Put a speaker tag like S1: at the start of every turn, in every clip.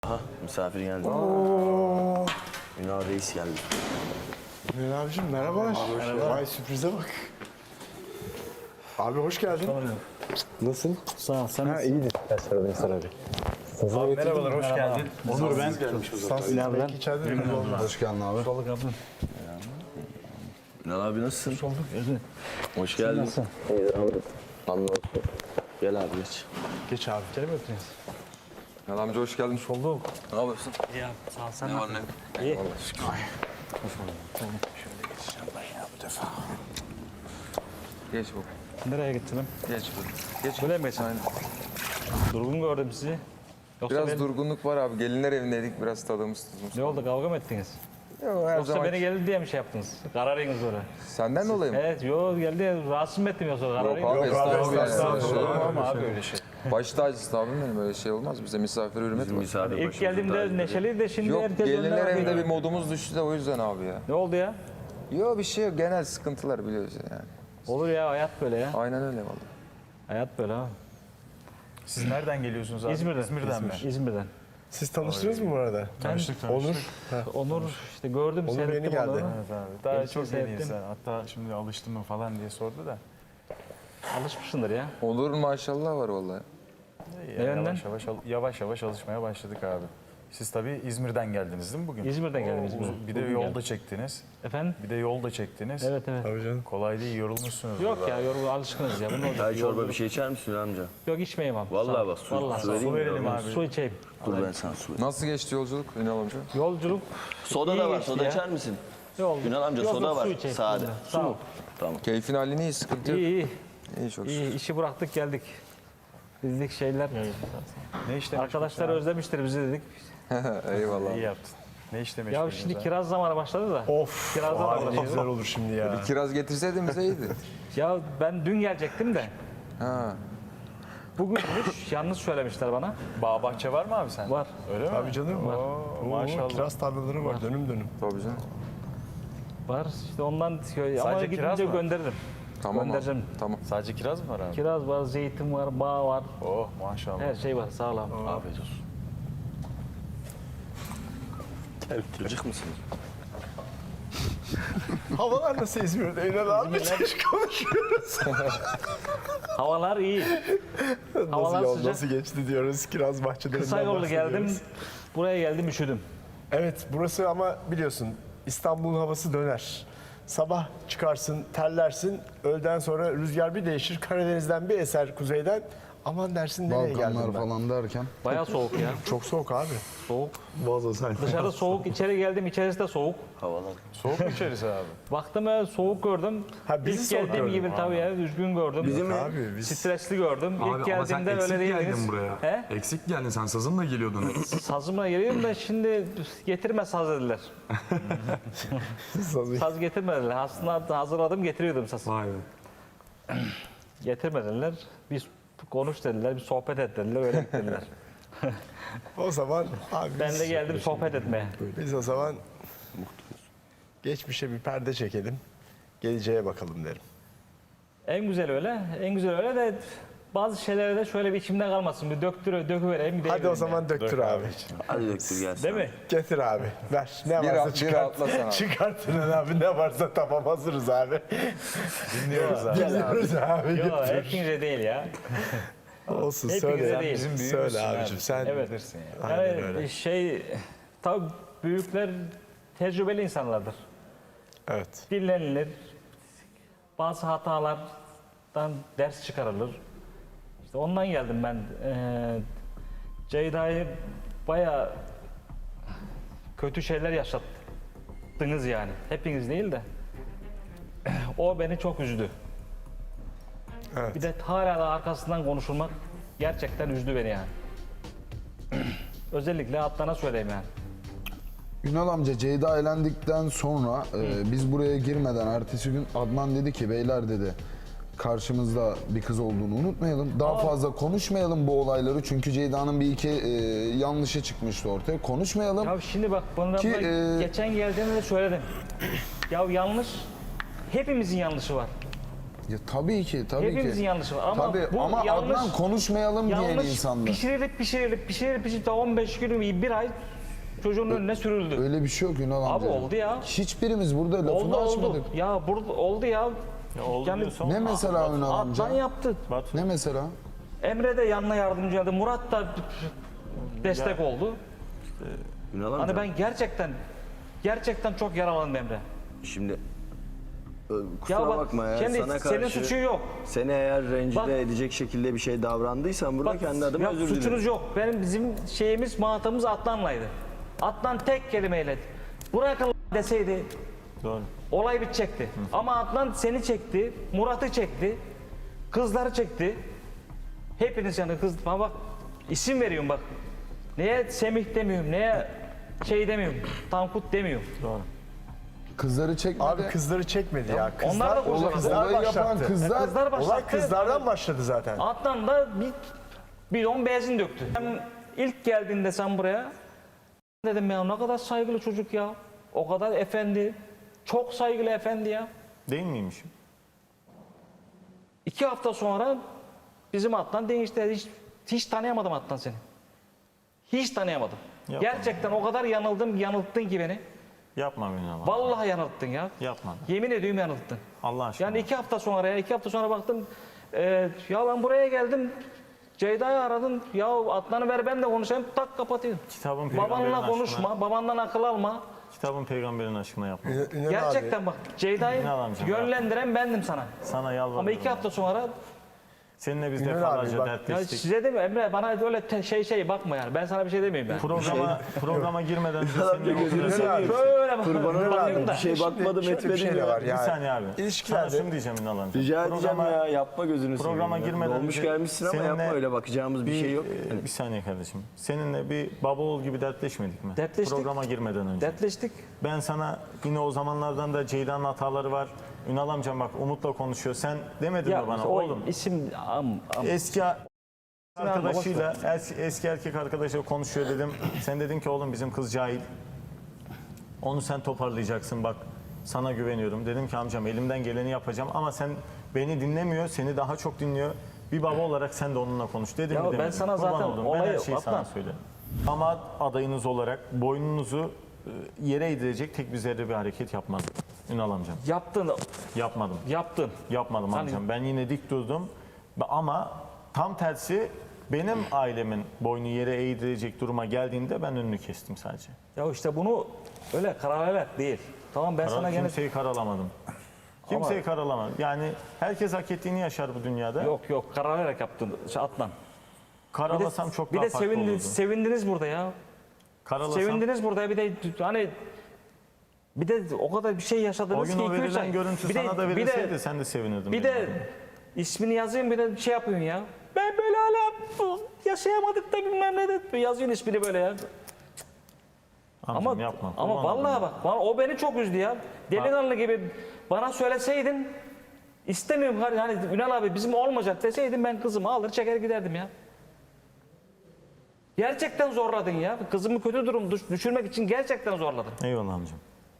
S1: Aha misafir geldi. Ünal Reis geldi.
S2: Ünal abicim merhabalar. Merhaba. Vay sürprize bak. Abi hoş geldin. Nasılsın?
S3: Sağ ol. Sen
S2: Ha iyidir.
S3: abi, merhabalar, hoş geldin.
S2: Onur ben. Ünal ben. İçeride mi?
S4: Hoş geldin abi.
S3: Balık abim.
S1: Ünal abi nasılsın?
S3: Hoş bulduk. Evet.
S1: Hoş geldin.
S3: Nasılsın?
S1: İyidir abi. Hamdolsun. Gel abi geç.
S2: Geç abi.
S3: İçeri mi öptünüz?
S4: Ünal amca hoş geldin.
S3: Hoş bulduk.
S1: Ne yapıyorsun?
S3: İyi abi. Sağ ol. Sen
S1: Ne var ne?
S3: İyi.
S4: Geç bu.
S3: Nereye gittin?
S4: Geç bu. Geç.
S3: Böyle mi geçen? Durgun gördüm sizi. Yoksa
S4: Biraz
S3: beni,
S4: durgunluk var abi. Gelinler evindeydik. Biraz tadımız tuzumuz.
S3: ne oldu? Kavga mı ettiniz?
S4: Yok her
S3: Yoksa
S4: zaman.
S3: beni geldi diye mi şey yaptınız? Kararınız böyle.
S4: Senden dolayı mı?
S3: Evet, yok geldi. Rahatsız mı ettim yoksa
S4: Yok
S3: kararınız?
S4: abi estağfurullah.
S3: estağfurullah.
S4: Ama abi öyle şey. Baş tacısın abim benim, öyle şey olmaz. Bize misafir hürmet
S1: Bizim
S4: var.
S1: misafir
S3: İlk
S1: başımızın
S3: geldiğimde
S1: tacıdır.
S3: neşeliydi de şimdi
S4: Yok
S3: herkes
S4: gelinler
S3: önüne
S4: evinde
S3: bakıyor.
S4: bir modumuz düştü de o yüzden abi ya.
S3: Ne oldu ya?
S4: Yok bir şey yok. Genel sıkıntılar biliyoruz yani.
S3: Olur ya, hayat böyle ya.
S4: Aynen öyle vallahi.
S3: Hayat böyle ha.
S5: Siz nereden geliyorsunuz abi?
S3: İzmir'den.
S5: İzmir'den mi?
S3: İzmir'den.
S2: Siz tanıştınız mı bu arada?
S5: Tanıştık.
S2: Onur.
S3: Onur işte gördüm,
S2: Onur
S3: seyrettim
S2: yeni geldi.
S3: onları.
S5: Evet abi. Daha
S3: Gerçi
S5: çok yeni
S3: seyrettim.
S5: insan. Hatta şimdi alıştın mı falan diye sordu da.
S3: Alışmışsındır ya.
S4: Olur maşallah var vallahi.
S5: İyi,
S3: yönden?
S5: yavaş yavaş alışmaya başladık abi. Siz tabii İzmir'den geldiniz değil mi bugün?
S3: İzmir'den geldim, İzmir'den.
S5: Bir de
S3: Bugün
S5: yolda
S3: geldim.
S5: çektiniz.
S3: Efendim?
S5: Bir de yolda çektiniz.
S3: Evet evet.
S2: Tabii canım.
S5: Kolay değil, yorulmuşsunuz.
S3: Yok
S5: burada.
S3: ya, yorgun alışkınız ya. Bunu olacak.
S1: Çay çorba bir şey içer misin amca?
S3: Yok, içmeyeyim abi.
S1: Vallahi
S3: Sağ ol.
S1: bak su,
S3: Vallahi
S1: su
S3: sağ ol.
S1: vereyim mi?
S5: verelim abi.
S3: Su içeyim.
S1: Dur ben sana su vereyim.
S4: Nasıl geçti yolculuk Ünal amca?
S3: Yolculuk
S1: Soda
S3: İyi
S1: da var.
S3: geçti
S1: Soda
S3: ya.
S1: içer misin?
S3: yol.
S1: Ünal amca
S3: Yok,
S1: soda
S3: yok,
S1: var.
S3: Su içeyim.
S1: Sade.
S3: Sağ ol.
S1: Tamam.
S4: Keyfin halini iyi, sıkıntı yok.
S3: İyi iyi.
S4: İyi çok şükür.
S3: İyi, işi bıraktık geldik. Bizlik şeyler.
S5: Ne işle
S3: Arkadaşlar özlemiştir bizi dedik.
S4: Eyvallah.
S5: İyi yaptın. Ne işle
S3: Ya
S5: meşgulsünüz
S3: şimdi
S5: abi?
S3: kiraz zamanı başladı da.
S2: Of.
S3: Kiraz zamanı
S2: Abi ne
S3: başladı.
S2: güzel olur şimdi ya.
S4: Kiraz getirseydin bize iyiydi.
S3: Ya ben dün gelecektim de.
S4: Ha.
S3: Bugünmüş, yalnız söylemişler bana.
S5: Bağ bahçe var mı abi sen?
S3: Var.
S5: Öyle mi?
S2: Tabii canım.
S5: Oo, maşallah.
S2: Kiraz tarlaları var dönüm dönüm.
S4: Tabii canım.
S3: Var. İşte ondan ama
S5: Sadece kiraz
S3: gidince
S5: mı?
S3: gönderirim.
S4: Tamam abi.
S3: Göndereceğim.
S4: Tamam.
S5: Sadece kiraz mı var abi?
S3: Kiraz var, zeytin var, bağ var.
S5: Oh maşallah.
S3: Her şey var, sağlam.
S1: Afiyet olsun. Gıcık mısınız?
S2: Havalar nasıl İzmir'de? Ünal abi hiç konuşuyoruz.
S3: Havalar iyi. Havalar
S2: Nasıl yol
S3: sıcak.
S2: nasıl geçti diyoruz. Kiraz bahçelerinden
S3: Kısa yollu
S2: bahsediyoruz.
S3: geldim. Buraya geldim, üşüdüm.
S2: Evet burası ama biliyorsun İstanbul'un havası döner. Sabah çıkarsın, terlersin. Öğleden sonra rüzgar bir değişir. Karadeniz'den bir eser kuzeyden. Aman dersin nereye geldim
S4: Balkanlar
S2: ben?
S4: falan derken.
S3: Bayağı soğuk ya.
S2: Çok soğuk abi.
S3: Soğuk.
S2: Boğaz sen.
S3: Dışarı soğuk, içeri geldim, içerisi de soğuk.
S1: Havalar.
S5: Soğuk mu içerisi abi?
S3: Baktım soğuk gördüm.
S2: Ha, bizi
S3: İlk
S2: soğuk
S3: geldiğim
S2: gördün.
S3: gibi tabii ya, üzgün gördüm.
S1: Bizim mi?
S2: Abi biz
S3: Stresli gördüm. İlk
S6: Abi ama sen
S3: geldiğimde
S6: eksik
S3: öyle değildiniz.
S6: geldin buraya.
S3: He?
S6: Eksik geldin, sen sazınla geliyordun.
S3: Sazıma geliyorum da şimdi getirme saz dediler. Saz getirmediler. Aslında hazırladım, getiriyordum sazı.
S6: Vay be.
S3: Getirmediler. Bir konuş dediler, bir sohbet et dediler, öyle git dediler.
S2: o zaman abi
S3: Ben de geldim sohbet etmeye.
S2: biz o zaman geçmişe bir perde çekelim. Geleceğe bakalım derim.
S3: En güzel öyle, en güzel öyle de bazı şeylere de şöyle bir içimde kalmasın. Bir döküvereyim, bir
S2: Hadi o
S3: deyivereyim
S2: zaman döktür abi.
S1: Hadi döktür gelsin.
S3: yani. Değil mi?
S2: Getir abi. Ver. Ne
S4: Bir
S2: varsa
S4: rahat- bir
S2: çıkart.
S4: rahatlasana abi.
S2: Çıkart Ünal abi. Ne varsa tamam hazırız abi.
S5: Dinliyoruz abi.
S2: Geliyoruz abi.
S3: Yok,
S2: Götür.
S3: hepinize değil ya.
S2: Olsun
S3: Hepinize
S2: söyle.
S3: değil.
S5: Bizim büyüğümüzsün
S2: Söyle
S5: abi.
S2: abicim sen.
S3: Evet.
S5: Bilirsin ya.
S2: Aynen
S3: Yani
S2: öyle.
S3: tabii büyükler tecrübeli insanlardır.
S2: Evet.
S3: Dinlenilir. Bazı hatalardan ders çıkarılır. İşte ondan geldim ben. Ceyda'yı bayağı kötü şeyler yaşattınız yani. Hepiniz değil de. O beni çok üzdü.
S2: Evet.
S3: Bir de hala da arkasından konuşulmak gerçekten üzdü beni yani. Özellikle Adnan'a söyleyeyim yani.
S4: Ünal amca Ceyda eğlendikten sonra biz buraya girmeden ertesi gün Adnan dedi ki beyler dedi karşımızda bir kız olduğunu unutmayalım. Daha fazla konuşmayalım bu olayları çünkü Ceyda'nın bir iki yanlışı çıkmıştı ortaya. Konuşmayalım.
S3: Ya şimdi bak bana
S4: Ki,
S3: geçen geldiğimde de söyledim. Ya yanlış, hepimizin yanlışı var.
S4: Ya tabii ki, tabii
S3: Hepimizin
S4: ki.
S3: yanlışı var ama
S4: Tabii
S3: bu
S4: ama
S3: yanlış,
S4: Adnan konuşmayalım diyen
S3: yanlış
S4: insanlar.
S3: pişirilip daha 15 gün, bir ay çocuğun önüne sürüldü.
S4: Öyle bir şey yok Ünal amca.
S3: Abi oldu ya.
S4: Hiçbirimiz burada lafını
S3: Oldu
S4: açmadık.
S3: Ya burada oldu ya.
S5: Ya oldu
S3: Yani
S5: diyorsan
S4: Ne mesela Ünal amca?
S3: Adnan yaptı.
S5: Batu.
S4: Ne mesela?
S3: Emre de yanına yardımcı oldu. Murat da destek oldu.
S1: Ünal
S3: Hani
S1: amca,
S3: ben gerçekten çok yaralandım Emre.
S1: şimdi kusura
S3: bak,
S1: bakma ya,
S3: kendi-
S1: sana
S3: senin
S1: karşı
S3: suçun yok.
S1: seni eğer rencide
S3: Bak-
S1: edecek şekilde bir şey davrandıysan burada
S3: Bak,
S1: kendi adıma
S3: ya
S1: özür dilerim.
S3: suçunuz yok. Bizim şeyimiz, muhatabımız Adnan'laydı. Adnan tek kelimeyle bırakın deseydi
S5: Doğru.
S3: olay bitecekti. Ama Adnan seni çekti, Murat'ı çekti, kızları çekti. Hepiniz yani kız, bak isim veriyorum bak. Neye Semih demiyorum, neye şey demiyorum, Tankut demiyorum.
S5: Doğru.
S4: Kızları çekmedi.
S2: Abi kızları çekmedi ya.
S3: onlar da bozuldu.
S2: Kızlar
S4: Olayı yapan
S2: başlattı.
S4: kızlar.
S3: Kızlar başlattı.
S2: Olay kızlardan başladı zaten.
S3: Adnan da bir bidon benzin döktü. Ben ilk geldiğinde sen buraya dedim ya ne kadar saygılı çocuk ya. O kadar efendi. Çok saygılı efendi ya.
S5: Değil miymişim?
S3: 2 hafta sonra bizim Adnan değişti. Hiç tanıyamadım Adnan seni. Hiç tanıyamadım.
S5: Yapma.
S3: Gerçekten o kadar yanılttın ki beni.
S5: Yapma Ünal abi.
S3: Vallahi yanılttın ya.
S5: Yapma.
S3: Yemin ediyorum yanılttın.
S5: Allah aşkına.
S3: Yani 2 hafta sonra baktım. Ya ben buraya geldim. Ceyda'yı aradım. Ya Adnan'ı ver ben de konuşayım. Tak kapatayım.
S5: Kitabın peygamberin
S3: Babanla
S5: aşkına.
S3: konuşma. Babandan akıl alma.
S5: Kitabın peygamberin aşkına yapma.
S2: Ünal
S3: Gerçekten bak Ceyda'yı
S5: Ne alamcım
S3: yönlendiren bendim sana.
S5: Sana yalvarıyorum.
S3: Ama 2 hafta sonra
S5: Seninle biz
S2: Ünal abi
S5: defalarca
S2: bak-
S3: ya
S5: dertleştik.
S3: size de mi Emre bana öyle şey bakma yani. Ben sana bir şey demeyeyim ben.
S5: Programa girmeden önce
S1: Ünal amca
S5: seninle
S1: gözünü
S5: oturup-
S1: seveyim.
S3: Böyle bak.
S1: Kurbanın
S3: bakıyorum
S1: olayım
S3: da.
S1: bir şey bakmadım
S2: şöyle bir
S1: etmedim
S2: şey de
S1: ya.
S2: var
S5: Bir
S2: yani.
S5: saniye abi.
S2: İlişkilerde-
S5: Sana şunu diyeceğim Ünal amca.
S1: Rica edeceğim
S5: Programa-
S1: ya, yapma gözünü seveyim.
S5: Programa
S1: ya.
S5: girmeden
S1: Dolmuş
S5: önce
S1: gelmişsin ama
S5: seninle
S1: yapma, öyle bakacağımız bir şey yok.
S5: Bir saniye kardeşim. Seninle bir baba oğul gibi dertleşmedik mi?
S3: Dertleştik.
S5: Programa girmeden önce.
S3: Dertleştik.
S5: Ben sana yine o zamanlardan da Ceyda'nın hataları var. Ünal amcam bak Umut'la konuşuyor. Sen demedin mi bana
S3: o
S5: oğlum?
S3: isim
S5: Eski arkadaşıyla, eski erkek arkadaşıyla konuşuyor dedim. Sen dedin ki oğlum bizim kız cahil. Onu sen toparlayacaksın bak. Sana güveniyorum. Dedim ki amcam elimden geleni yapacağım ama sen beni dinlemiyor, seni daha çok dinliyor. Bir baba olarak sen de onunla konuş dedim
S3: Ya
S5: mi
S3: ben
S5: demedim.
S3: sana
S5: Kurban
S3: zaten
S5: oldum. Ben
S3: olayı
S5: her şeyi sana
S3: Adnan.
S5: söyledim. Ama adayınız olarak boynunuzu yere eğdirecek tek bir zerre bir hareket yapmadım. Ünal amcam.
S3: yaptın.
S5: Yapmadım. Yapmadım
S3: Hani-
S5: amcam. Ben yine dik durdum. Ama tam tersi benim ailemin boynu yere eğdirecek duruma geldiğinde ben önünü kestim sadece.
S3: Ya işte bunu öyle karalarak değil. Tamam ben sana gene
S5: Kimseyi karalamadım. Kimseyi karalamadım. Yani herkes hak ettiğini yaşar bu dünyada.
S3: yok karalarak yaptın Adnan.
S5: Karalasam çok
S3: bir
S5: daha
S3: de
S5: farklı olurdu.
S3: sevindiniz burada ya.
S5: Karalasam
S3: Sevindiniz burada bir de hani bir de o kadar bir şey
S5: o
S3: yaşadınız
S5: gün
S3: ki
S5: o
S3: 2-3
S5: verilen
S3: ay.
S5: görüntü sana da verilseydi sen de sevinirdin.
S3: Bir
S5: benim
S3: de
S5: adıma.
S3: ismini yazayım bir de şey yapıyorsun ya. Ben böyle hala yaşayamadık da bilmem ne de yazıyorsun ismini böyle ya.
S5: Amcam yapma.
S3: Ama
S5: Kurban olayım.
S3: vallahi bak o beni çok üzdü ya. Delikanlı gibi bana söyleseydin istemiyorum hani Ünal abi bizim olmayacak deseydin ben kızımı alır çeker giderdim ya. Gerçekten zorladın ya. Kızımı kötü durum düşürmek için gerçekten zorladın.
S5: Eyvallah amcam.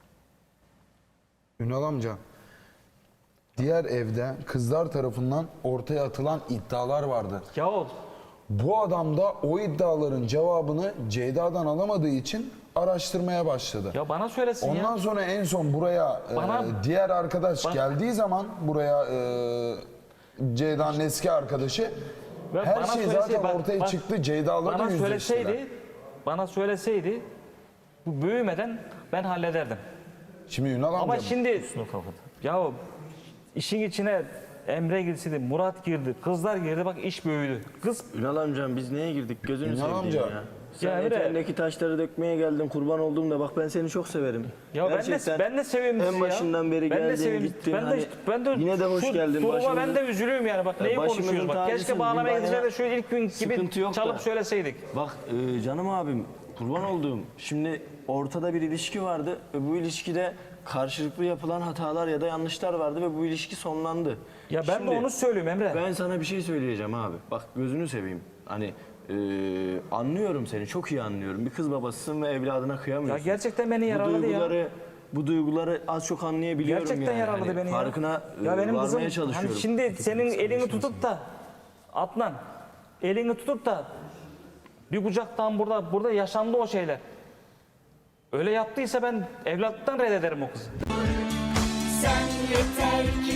S4: Ünal amca. Diğer evde kızlar tarafından ortaya atılan iddialar vardı.
S3: Ya
S4: Bu adam da o iddiaların cevabını Ceyda'dan alamadığı için araştırmaya başladı.
S3: ya bana söylesin
S4: Ondan
S3: ya.
S4: sonra en son buraya
S3: Bana-
S4: diğer arkadaş geldiği zaman buraya Ceyda'nın eski arkadaşı
S3: Ve
S4: her
S3: bana
S4: şey
S3: söyleseydi,
S4: zaten
S3: bak-
S4: ortaya
S3: bak,
S4: çıktı. Ceyda'la da yüzleştiler.
S3: Bana söyleseydi bu büyümeden ben hallederdim.
S4: Şimdi Ünal
S3: Ama
S4: amca
S3: şimdi
S5: Şunu kapat.
S3: ya işin içine Emre girseydi, Murat girdi, kızlar girdi bak iş büyüdü. Kız
S1: Ünal amcam biz neye girdik gözünü
S4: Ünal
S1: seveyim
S4: amca.
S1: ya. Sen
S3: Ya Emre-
S1: eteğindeki taşları dökmeye geldin, kurban olduğumda bak ben seni çok severim.
S3: ya
S1: Gerçekten
S3: ben de seveyim sizi
S1: en
S3: ya.
S1: başından beri
S3: Ben de
S1: geldin
S3: seveyim.
S1: gittin.
S3: Ben de,
S1: hani
S3: ben de
S1: yine de hoş
S3: şu
S1: geldin.
S3: duruma ben de üzülüyorum yani bak neyi
S1: başımızın
S3: konuşuyoruz bak. Keşke
S1: tacısın,
S3: bağlamaya
S1: bir
S3: gidince
S1: bana
S3: de şu ilk gün gibi
S1: sıkıntı yok
S3: çalıp
S1: da.
S3: söyleseydik.
S1: Bak canım abim kurban olduğum. Şimdi ortada bir ilişki vardı ve bu ilişkide karşılıklı yapılan hatalar ya da yanlışlar vardı ve bu ilişki sonlandı.
S3: Ya ben
S1: Şimdi
S3: de onu söylüyorum Emre.
S1: Ben sana bir şey söyleyeceğim abi. Bak gözünü seveyim. Hani anlıyorum seni, çok iyi anlıyorum. Bir kız babasısın ve evladına
S3: Ya
S1: kıyamıyorsun.
S3: gerçekten beni
S1: Bu
S3: yaraladı ya.
S1: duyguları bu duyguları az çok anlayabiliyorum
S3: Gerçekten
S1: yani.
S3: yaraladı
S1: Hani
S3: beni ya.
S1: farkına
S3: Ya benim
S1: varmaya
S3: kızım
S1: çalışıyorum.
S3: hani şimdi senin elini tutup da Adnan elini tutup da bir kucaktan burada yaşandı o şeyler. Öyle yaptıysa ben evlatlıktan reddederim o kızı.
S7: Sen yeter ki